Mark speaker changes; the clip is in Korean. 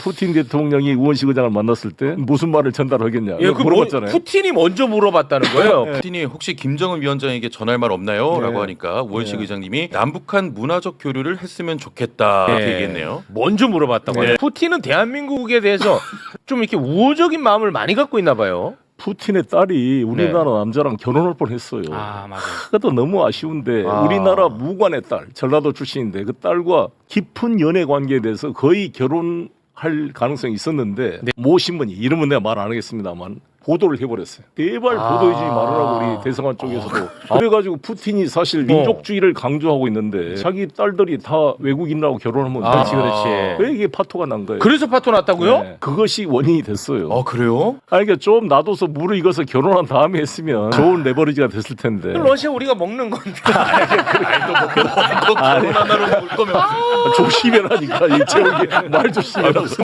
Speaker 1: 푸틴 대통령이 우원식 의장을 만났을 때 무슨 말을 전달하겠냐
Speaker 2: 예, 그
Speaker 1: 물어봤잖아요.
Speaker 2: 푸틴이 먼저 물어봤다는 거예요.
Speaker 3: 푸틴이 혹시 김정은 위원장에게 전할 말 없나요?
Speaker 1: 네.
Speaker 3: 라고 하니까 우원식
Speaker 1: 네.
Speaker 3: 의장님이 남북한 문화적 교류를 했으면 좋겠다
Speaker 2: 예.
Speaker 3: 이렇게 얘기했네요.
Speaker 2: 먼저 물어봤다고 해요. 푸틴은 대한민국에 대해서 좀 이렇게 우호적인 마음을 많이 갖고 있나 봐요.
Speaker 1: 푸틴의 딸이 우리나라 남자랑 결혼할 뻔했어요.
Speaker 2: 아, 맞아요.
Speaker 1: 그것도 너무 아쉬운데
Speaker 2: 아.
Speaker 1: 우리나라 무관의 딸 전라도 출신인데 그 딸과 깊은 연애 관계에 대해서 거의 결혼할 가능성이 있었는데 모 신문이 이름은 내가 말 안 하겠습니다만 보도를 해버렸어요. 제발 보도해주지 말으라고 우리 대성한 쪽에서도. 그래가지고 푸틴이 사실 민족주의를 강조하고 있는데 자기 딸들이 다 외국인하고 결혼하면
Speaker 2: 그렇지, 그렇지.
Speaker 1: 왜 이게 파토가 난 거예요?
Speaker 2: 그래서 파토 났다고요?
Speaker 1: 네. 그것이 원인이 됐어요.
Speaker 3: 그래요?
Speaker 1: 아니, 그러니까 좀 놔둬서 물을 익어서 결혼한 다음에 했으면 좋은 레버리지가 됐을 텐데.
Speaker 2: 러시아 우리가 먹는 건데.
Speaker 3: 결혼하나로 볼 거면
Speaker 1: 조심해라니까 이 제목이 말 조심해라.